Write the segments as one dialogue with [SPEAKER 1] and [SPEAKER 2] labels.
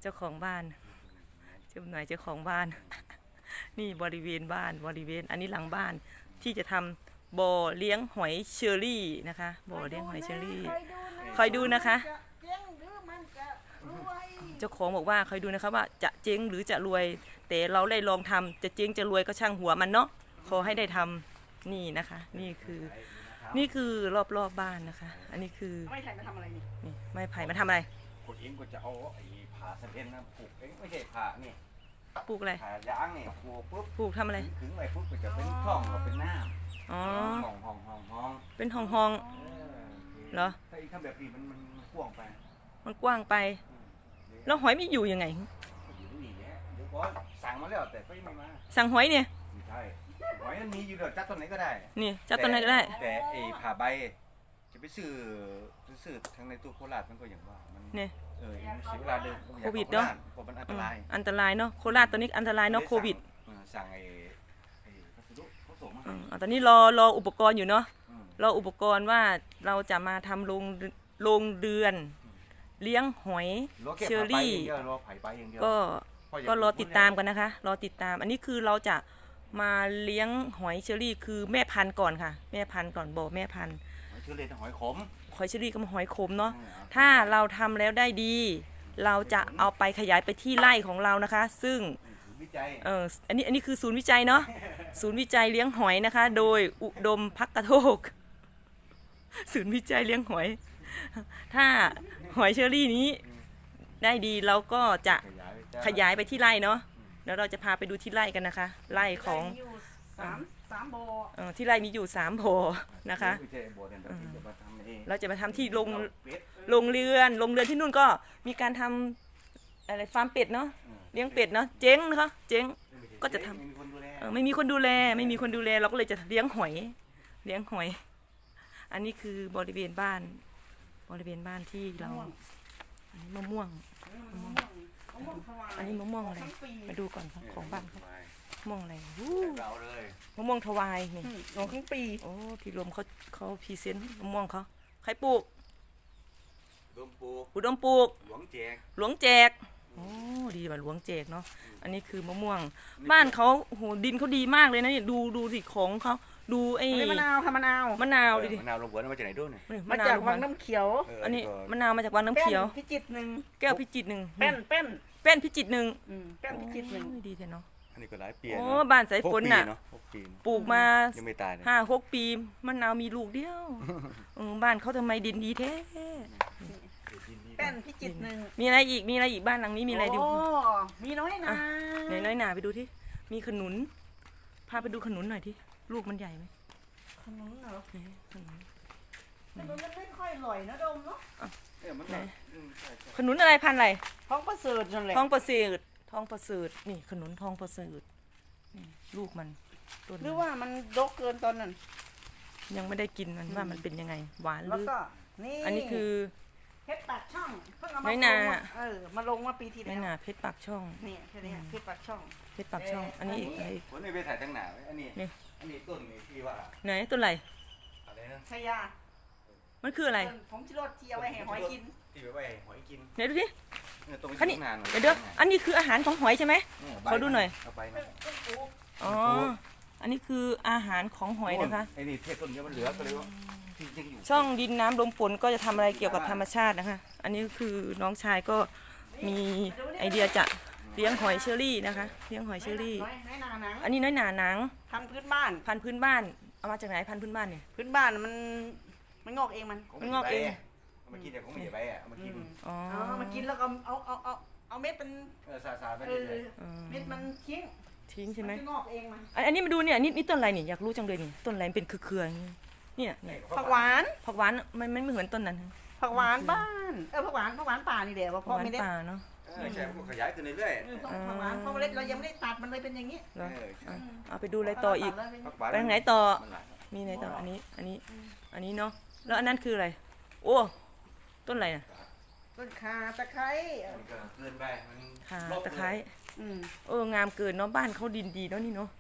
[SPEAKER 1] เจ้าของบ้านเจ้าหน่อยเจ้าของบ้าน นี่บริเวณบ้านบริเวณอันนี้หลังบ้านที่จะทำบ่อเลี้ยงหอยเชอรี่นะคะบ่อเลี้ยงหอยเชอรี่คอยดูนะคะเจ้าของบอกว่าคอยดูนะคะว่าจะเจ๊งหรือจะรวยแต่เราได้ลองทำจะเจ๊งจะรวยก็ช่างหัวมันเนาะขอให้ได้ทำนี่นะคะนี่คือรอบบ้านนะคะอันนี้คือ
[SPEAKER 2] ไม้ไผ่มาทำอะไรนี่
[SPEAKER 1] นี่ไม้ไผ่มาทำอะไร
[SPEAKER 3] ขุดเองก็จะเอาไอ้ผ่าสะเก็ดนะปลูกเองไม่ใช่ผ่านี่
[SPEAKER 1] ปลูกอะไร
[SPEAKER 3] ผ่ายางนี่ปลูกปุ๊บ
[SPEAKER 1] ปลูกทำอะไร
[SPEAKER 3] ถึงไปปุ๊บก็จะเป็นช่องหรือเป็นน้ำ
[SPEAKER 1] อ๋อ
[SPEAKER 3] ห้อง
[SPEAKER 1] เป็นห้องเหรอ
[SPEAKER 3] ถ้าอีกทำแบบนี้มันกว้างไป
[SPEAKER 1] มันกว้างไปแล้วหอยไม่อยู่ยังไง
[SPEAKER 3] อยู่นี่แหละเดี๋ยวก่อนสั่งมาแล้วแต่ก็ยังไม่มา
[SPEAKER 1] สั่งหอยเนี่ย
[SPEAKER 3] ไม่ใช่หอยมันมีอยู่เดี๋ยวจับต้นไหนก็ได้
[SPEAKER 1] นี่จับต้นไหนก็ได้
[SPEAKER 3] แต่ไอ้ผ่าใบจะไปซื้อทั้งในตู้โคราชมันก็อย่างว่ามัน
[SPEAKER 1] เนี่ย
[SPEAKER 3] เสียเวลาเดิน
[SPEAKER 1] โควิดเนาะ
[SPEAKER 3] เพราะมันอันตราย
[SPEAKER 1] เนาะโคราชตอนนี้อันตรายเนาะโควิด
[SPEAKER 3] สั่งไอ้พัสดุเขาส่งมา
[SPEAKER 1] ตอนนี้รออุปกรณ์อยู่เนาะรออุปกรณ์ว่าเราจะมาทำโรงเรือนเลี้ยงหอยเชอรี่ก็รอติดตามกันนะคะรอติดตามอันนี้คือเราจะมาเลี้ยงหอยเชอรี่คือแม่พันธุ์ก่อนค่ะแม่พันธุ์ก่อนบ่แม่พันธุ์
[SPEAKER 3] หอยเชอรี่หอยขม
[SPEAKER 1] หอยเชอรี่กับหอยขมเนาะถ้าเราทำแล้วได้ดีเราจะเอาไปขยายไปที่ไร่ของเรานะคะซึ่งอันนี้คือศูนย์วิจัยเนาะศูนย์วิจัยเลี้ยงหอยนะคะโดยอุดมภักกโทกศูนย์วิจัยเลี้ยงหอยถ้าหอยเชอรี่นี้ได้ดีเราก็จะขยายไปที่ไร่เนาะแล้วเราจะพาไปดูที่ไร่กันนะคะไร่ของ
[SPEAKER 2] 3บ่อ
[SPEAKER 1] ที่ไร่มีอยู่3บ่อนะคะเราจะมาทำที่โรงเรือนที่นู่นก็มีการทำอะไรฟาร์มเป็ดเนาะเลี้ยงเป็ดเนาะเจ๊งนะคะเจ๊งก็จะทำไม่มีคนดูแลเราก็เลยจะเลี้ยงหอยอันนี้คือบริเวณบ้านที่เราอันนี้มะม่วงอันนี้มะม่วงอะไรมาดูก่อนของบ้านเขามะม่วงอะไรมะม่วงทวายนี่
[SPEAKER 2] ทั้งปี
[SPEAKER 1] โอ้พี่ลมเขาพรีเซนต์มะม่วงเขาใครปลูกอุดมปลูกหลวงแจกโอ้ดีว่ะหลวงแจกเนาะอันนี้คือมะม่วงบ้านเขาโหดินเขาดีมากเลยนะนี่ดูสิของเขาดูไอ้
[SPEAKER 2] มะนาวค่ะมะนาว
[SPEAKER 1] ดิ
[SPEAKER 3] มะนาวลงหัวมาจากไหนด้วยเนี่ย
[SPEAKER 2] มาจากวังน้ำเขียว
[SPEAKER 1] อันนี้มะนาวมาจากวังน้ำเขียว
[SPEAKER 2] พิจิตร1
[SPEAKER 1] แก้วพิจิตร1
[SPEAKER 2] เป็น
[SPEAKER 1] พิจิตร1
[SPEAKER 2] เป็นพิจิตร1
[SPEAKER 1] ดีแท้เนาะ
[SPEAKER 3] อันนี้ก็หลายปี
[SPEAKER 1] โอ้บ้านสายฝนน่ะปลูกมา
[SPEAKER 3] ยังไม่ตาย
[SPEAKER 1] 5-6 ปีมะนาวมีลูกเดียวบ้านเขาทำไมดินดีแท้
[SPEAKER 2] เป็นพิจิตร1
[SPEAKER 1] มีอะไรอีกบ้านหลังนี้มีอะไรดู
[SPEAKER 2] มีน้อยนา
[SPEAKER 1] น้อยนาไปดูที่มีขนุนพาไปดูขนุนหน่อยที่ลูกมันใหญ่ไหม
[SPEAKER 2] ขนุนเหรอขนุนมันไม่ค่อยอร่อยนะดมเนาะ
[SPEAKER 1] ขนุนอะไรพันธุ์อะไร
[SPEAKER 2] ทองประเสริฐนั่นแหละ
[SPEAKER 1] ทองประเสริฐนี่ขนุนทองประเสริฐนี่ลูกมัน
[SPEAKER 2] หรือว่ามันดกเกินตอนนั้น
[SPEAKER 1] ยังไม่ได้กินมันว่ามันเป็นยังไงหวานหรือ
[SPEAKER 2] นี่
[SPEAKER 1] อันนี้คือ
[SPEAKER 2] เพชรปากช่องเพิ่งเอา
[SPEAKER 1] มาลง
[SPEAKER 2] มาลงมาปีที่แล้ว
[SPEAKER 1] เพชรปากช่อง
[SPEAKER 2] นี่แค่นี้เพชรปากช่อง
[SPEAKER 1] อันนี้อีก
[SPEAKER 3] คนนี้ไปถ่ายตั้งหนาอันนี้ต้นนี่ที่ว่า
[SPEAKER 1] ไหนต้นอะไร
[SPEAKER 2] ชายา
[SPEAKER 1] มันคืออะไร
[SPEAKER 2] ผมชิโร่ที่เอาไว้ให้หอยกิน
[SPEAKER 3] ที่ไว้ให้หอยกิน
[SPEAKER 1] ไหนดูสิอันนี้เดี๋ยวอันนี้คืออาหารของหอยใช่ไหมขอดูหน่อยอ๋ออันนี้คืออาหารของหอยนะคะ
[SPEAKER 3] ไอ้นี่เทศต้นเยอะมันเหลือก็เลยว่า
[SPEAKER 1] ช่องดินน้ำลมฝนก็จะทำอะไรเกี่ยวกับธรรมชาตินะคะอันนี้คือน้องชายก็มีไอเดียจะเลี้ยงหอยเชอรี่นะคะเลี้ยงหอยเชอรี่อันนี้น้อยหนาหนัง
[SPEAKER 2] พันธุ์พื้นบ้าน
[SPEAKER 1] เอามาจากไหนพันธุ์พื้นบ้านเนี่ย
[SPEAKER 2] พื้นบ้านมันงอกเอง
[SPEAKER 1] มันงอกเอง
[SPEAKER 3] มากินเดี๋ยวผมไม่ได้ไปมากิน
[SPEAKER 2] มากินแล้วก็เอาเม็ดเป็น
[SPEAKER 3] สาไปเลย
[SPEAKER 2] เม็ดมัน
[SPEAKER 1] ทิ้งใช่ไหม
[SPEAKER 2] งอกเองมัน
[SPEAKER 1] อันนี้มาดูเนี่ยนี่ต้นอะไรนี่อยากรู้จังเลยนี่ต้นอะไรเป็นเครือเนี่ย
[SPEAKER 2] ผักหวาน
[SPEAKER 1] มันไม่เหมือนต้นนั้น
[SPEAKER 2] ผักหวานบ้านผักหวานป่านี่แหละเพราะไม่ได้
[SPEAKER 1] ป่าเนาะ
[SPEAKER 3] ใช่ขยายขึ้นเรื่อย
[SPEAKER 2] ผักหวานเพราะเมล็ดเรายังไม่ได้ตัดมันเลยเป็นอย่างนี้
[SPEAKER 1] เอาไปดูอะไรต่ออีกไปทางไหนต่อมีไหนต่ออันนี้เนาะแล้วอันนั้นคืออะไรโอ้ต้นอะไรน่ะ
[SPEAKER 2] ต้นข่าตะไคร้
[SPEAKER 3] เกินไป
[SPEAKER 1] ข่าตะไคร้งามเกินเนาะบ้านเขาดินดีเนาะนี่เนาะ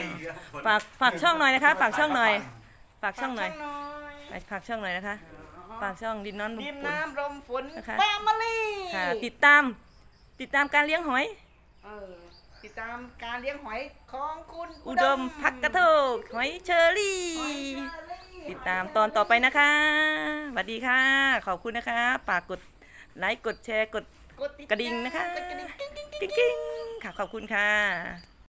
[SPEAKER 1] ฝากช่องหน่อยนะคะฝากช่องหน่อยนะคะฝากช่องดินน้ำลม
[SPEAKER 2] ดิน
[SPEAKER 1] ฝน
[SPEAKER 2] น้ำลมฝน
[SPEAKER 1] นะคะ
[SPEAKER 2] แฟมิลี่
[SPEAKER 1] ค่ะติดตามการเลี้ยงหอย
[SPEAKER 2] ติดตามการเลี้ยงหอยของคุณ
[SPEAKER 1] อุดมพักกระโทกหอยเชอรี่
[SPEAKER 2] หอยเชอรี่
[SPEAKER 1] ติดตามตอนต่อไปนะคะสวัสดีค่ะ ขอบคุณนะคะฝากกดไลค์กดแชร์กด
[SPEAKER 2] กดติด
[SPEAKER 1] กระดิ่งนะคะ
[SPEAKER 2] กดกระดิ่ง
[SPEAKER 1] กิ๊งๆค่ะขอบคุณค่ะ